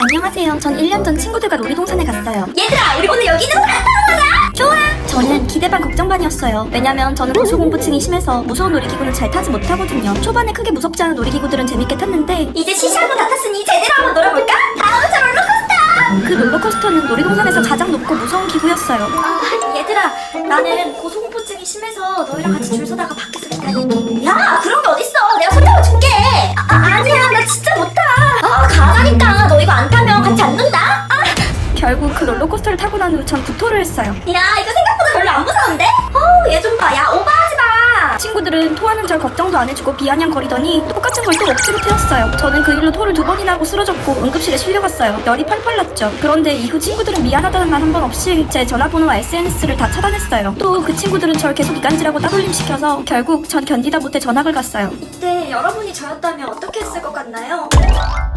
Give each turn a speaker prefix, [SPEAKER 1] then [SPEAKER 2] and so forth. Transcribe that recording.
[SPEAKER 1] 안녕하세요. 전 1년 전 친구들과 놀이동산에 갔어요.
[SPEAKER 2] 얘들아, 우리 오늘 여기 있는 거 갔다 오자.
[SPEAKER 1] 좋아! 저는 기대 반 걱정 반이었어요. 왜냐면 저는 고소공포증이 심해서 무서운 놀이기구는 잘 타지 못하거든요. 초반에 크게 무섭지 않은 놀이기구들은 재밌게 탔는데
[SPEAKER 2] 이제 시시하고 다 탔으니 제대로 한번 놀아볼까? 다음 차 롤러코스터.
[SPEAKER 1] 그 롤러코스터는 놀이동산에서 가장 높고 무서운 기구였어요.
[SPEAKER 2] 얘들아, 나는 고소공포증이 심해서 너희랑 같이 줄 서다가 밖에서 기다릴게. 야, 그런 게 어딨어? 내가 손 잡아줄게. 아니야, 나 진짜 못 타. 가자니까. 너 이거 안 타면 같이 안 논다.
[SPEAKER 1] 결국 그 롤러코스터를 타고 난 후 전 구토를 했어요.
[SPEAKER 2] 야, 이거 생각보다 별로 안 무서운데? 얘 좀 봐. 야, 오버하지 마.
[SPEAKER 1] 친구들은 토하는 절 걱정도 안 해주고 비아냥거리더니 똑같은 걸 또 억지로 태웠어요. 저는 그 일로 토를 2번이나 하고 쓰러졌고 응급실에 실려갔어요. 열이 펄펄 났죠. 그런데 이후 친구들은 미안하다는 말 한 번 없이 제 전화번호와 SNS를 다 차단했어요. 또 그 친구들은 절 계속 이간질하고 따돌림 시켜서 결국 전 견디다 못해 전학을 갔어요.
[SPEAKER 2] 이때 여러분이 저였다면 어떻게 했을 것 같나요?